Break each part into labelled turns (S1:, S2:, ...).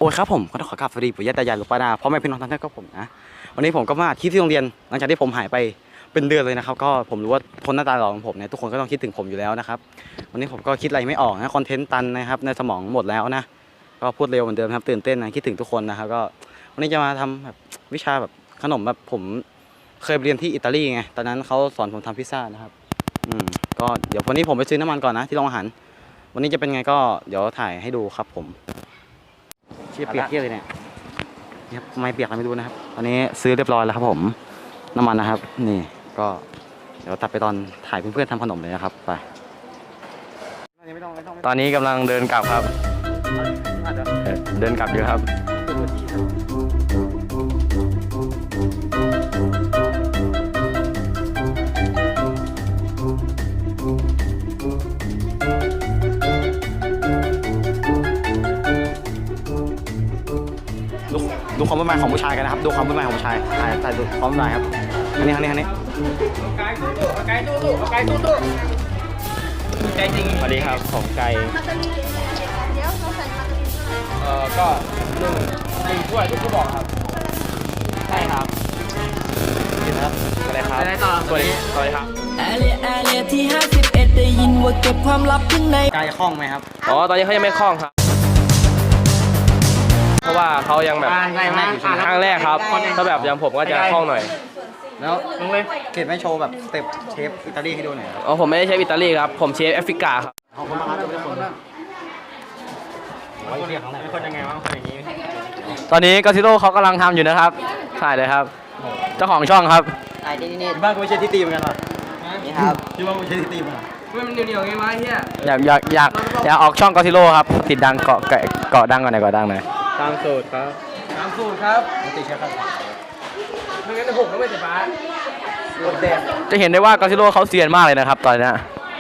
S1: อ้ยครับผมก็ต้องขอกราบสวัสดีปู่ย่าตายายหลวงป้านาพ่อแม่พี่น้องทุกท่านครับผมนะวันนี้ผมก็มาคลิปที่โรงเรียนหลังจากที่ผมหายไปเป็นเดือนเลยนะครับก็ผมรู้ว่าคนหน้าตาหล่อของผมเนี่ยทุกคนก็ต้องคิดถึงผมอยู่แล้วนะครับวันนี้ผมก็คิดอะไรไม่ออกนะคอนเทนต์ตันนะครับในสมองหมดแล้วนะก็พูดเร็วเหมือนเดิมครับตื่นเต้นนะคิดถึงทุกคนนะครับก็วันนี้จะมาทำแบบวิชาแบบขนมแบบผมเคยเรียนที่อิตาลีไงตอนนั้นเขาสอนผมทำพิซซ่านะครับก็เดี๋ยววันนี้ผมไปซื้อน้ำมันก่อนนะที่โรงอาหารวันนี้จะเป็นไงก็เดี๋ยวถ่ายให้ดูครับผมเชี่ยเปียกเที่ยเลยเนี่ยไม่เปียกอะไรไม่รู้นะครับตอนนี้ซื้อเรียบร้อยแล้วครับผมน้ำมันนะครับนี่ก็เดี๋ยวตัดไปตอนถ่ายเพื่อนๆทำขนมเลยนะครับไป
S2: ตอนนี้กำลังเดินกลับครับเดินกลับอยู่ครับ
S1: ดูความวุ่นวายของผู้ชายกันนะครับดูความวุ่นวายของผู้ชายถ่ายดูความวุ่นวายครับอันนี้
S2: ไก่ตู้ใจจริงสวัสดีครับผมไก่
S3: เดี๋ยวเราใส่มาตาลี
S2: ก็หนึ่งถ้วยทุกบอกครับใช่ครับกินครับอะไรครับสวัสดีครับ
S4: แอเรียที่51ได้ยินว่าเก็บความลับข้างใน
S1: ไก่คล่องไหมครับ
S2: อ๋อตอนนี้เขายังไม่คล่องครับเพราะว่าเขายังแบบครั้งแรกครับถ้าแบบอย่างผมก็จะคล่องหน่อย
S1: แล้วลุงเลยเก็บไม่โชว์แบบสเต็ปเชฟอิตาลีให้ดูหน่อย
S2: อ๋อผมไม่ได้เชฟอิตาลีครับผมเชฟแอฟริกาครับ
S1: ขอบคุณมากครับทุกคนเป็นคนยังไงวะคนอย่างนี้
S2: ตอนนี้กาซิโร่เขากำลังทำอยู่นะครับถ่ายเลยครับเจ้าของช่องครับ
S1: ถ่ายนี่บ้านกูไม่ใช่ที่ตีเหมือนกันหรอนี่ครับที่บ้านกูไม่ใช่ที่ตีเหมือนกัน
S2: มันเหนียวๆไงวะเฮียอยากออกช่องกาซิโร่ครับติดดังเกาะดังก่อนหน่อยเกาะดังหน่อย
S1: ตามสูตรครับติดใช่ครับ
S2: ไม่งั้นจะหกแล้วไม่เสร็จป้าจะเห็นได้ว่ากาซิโร่เขาเซียนมากเลยนะครับตอนนี้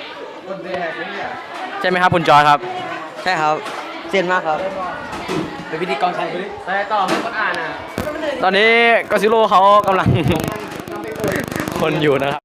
S2: ใช่ไหมครับคุณจอยครับ
S1: ใช่ครับเซียนมากครับเป็นพิธีกรใช่ไหม
S2: แต่ต่อให้คนอ่านอ่ะตอนนี้กาซิโร่เขากำลังคนอยู่นะครับ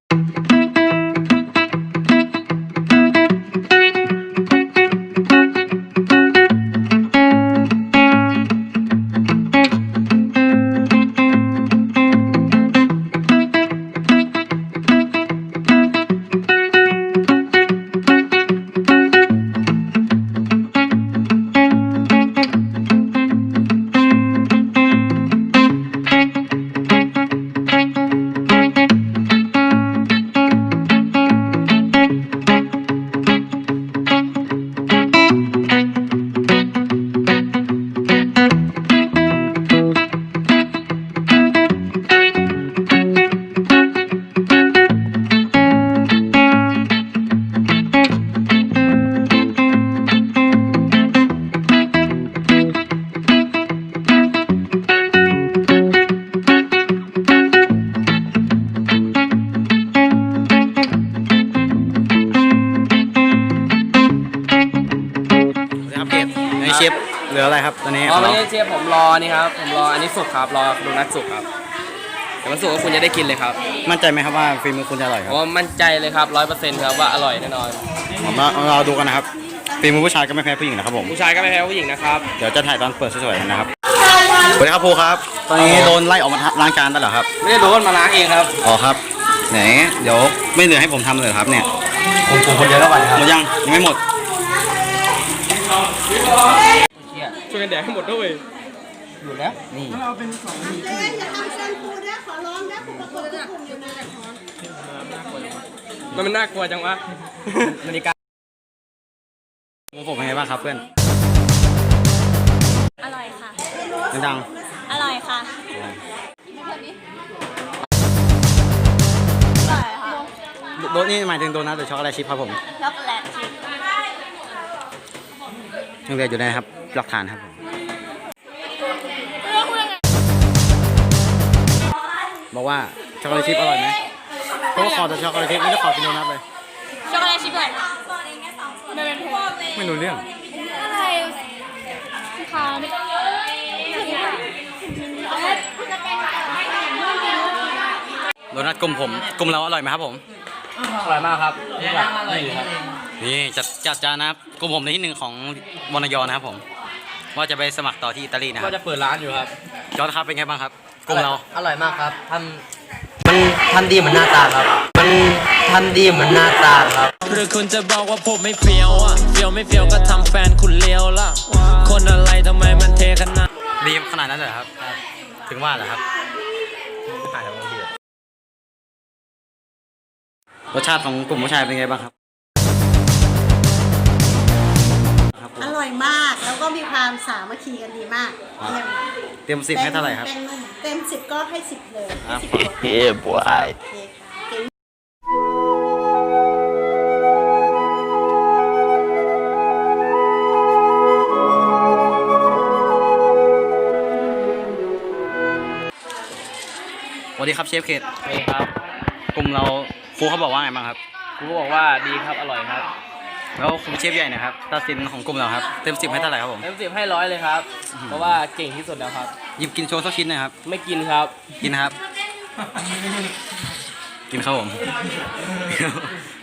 S1: เชฟเหลืออะไรครับตอนนี้
S2: อ๋อไม่ใช่เชฟผมรอนี่ครับผมรออันนี้สุกครับรอโดนัทสุกครับแต่มันสุกก็คุณจะได้กินเลยครับ
S1: มั่นใจไหมครับว่าฝีมือคุณจะอร่อยครับ
S2: อ๋อมั่นใจเลยครับ100%ครับว่าอร่อยแน่นอน
S1: ผมเราดูกันนะครับฝีมือผู้ชายก็ไม่แพ้ผู้หญิงนะครับผม
S2: ผู้ชายก็ไม่แพ้ผู้หญิงนะครับ
S1: เดี๋ยวจะถ่ายตอนเปิดสวยๆนะครับสวัสดีครับครูครับตอนนี้โดนไล่ออกมาล้างจานได้เหรอครับ
S2: ไม่ได้โดนมาล้างเองครับ
S1: อ๋อครับไหนเดี๋ยวไม่เหลือให้ผมทำเลยครับเนี่ย
S2: ผมคนเดียวแล้วไปครับ
S1: หมดยังไม่หมด
S2: ช่วยกันแดกให้หมดด้วย
S1: อยู่แล้วนี่
S2: มันน่ากลัวจังวะนาฬิกา
S1: ผมเป็นไงบ้างครับเพื่อน
S3: อร่อยค่ะ
S1: ดัง
S3: อร่อยค่ะอร่อยค่ะ
S1: โดนนี่หมายถึงโดนัทหรือช็อกโกแลตชิพครับผม
S3: ช็อกโกแลตชิพ
S1: ยังเหลืออยู่นะครับหลักฐานครับผมบอกว่าช็อกโกแลตชิพอร่อยไหมเพราะว่าขอแต่ช็อกโกแลตชิพไม่ได้ขอกินโดนัทเลย
S3: ช็อกโกแลตชิพเลย
S1: ไม่รู้เรื่อง
S3: อะไรค่ะ
S1: โดนัทกลุ่มผมกลุ่มเราอร่อยไหมครับผม
S2: อร่อยมากครับนี่ครับ
S1: นี่จัดจานนะครับกลุ่มผมในที่หนึ่งของวรรณยนะครับผมว่าจะไปสมัครต่อที่อิตาลีนะค
S2: ก็
S1: รับ
S2: จะเปิดร้านอยู่ครับ
S1: จอร์ดครับเป็นไงบ้างครับกลุ่มเรา
S5: อร่อยมากครับมันทำดีเหมือนหน้าตาครับ มันทำดีเหมือนหน้าตาครับ
S6: หรือคุณจะบอกว่าผมไม่เฟี้ยวอ่ะเฟี้ยวไม่เฟี้ยวก็ทำแฟนคุณเลี้ยวล่ะ คนอะไรทำไมมันเทขนาด
S1: ดีขนาดนั้นเลยเหรอครับ ถึงว่าเหรอครับรสชาติของกลุ่มผู้ชายเป็นไงบ้างครับ
S7: อร่อยมากแล้วก็มีความสามัคคีกันดีมากเยี่ยม
S1: เต็ม10ให้เท่าไหร่ครับ
S7: เต็ม10ก็ให้10เลยให้10
S5: เฮ้ยบวย
S7: โอเคค่ะเก่ง
S1: สวัสดีครับเชฟเขต
S2: นี่ครับ
S1: กลุ่มเราครูเขาบอกว่าไงบ้างครับ
S2: ครูบอกว่าดีครับอร่อยครับ
S1: แล้วครูเชฟใหญ่นะครับตัดสินของกลุ่มเราครับเต็ม10ให้เท่าไหร่ครับผม
S2: เต็ม10ให้100เลยครับ เพราะว่าเก่งที่สุดแล้วครับ
S1: หยิบกินโชว์สักชิ้นหนะครับ
S2: ไม่กินครับ
S1: กินนะครับ กินครับผม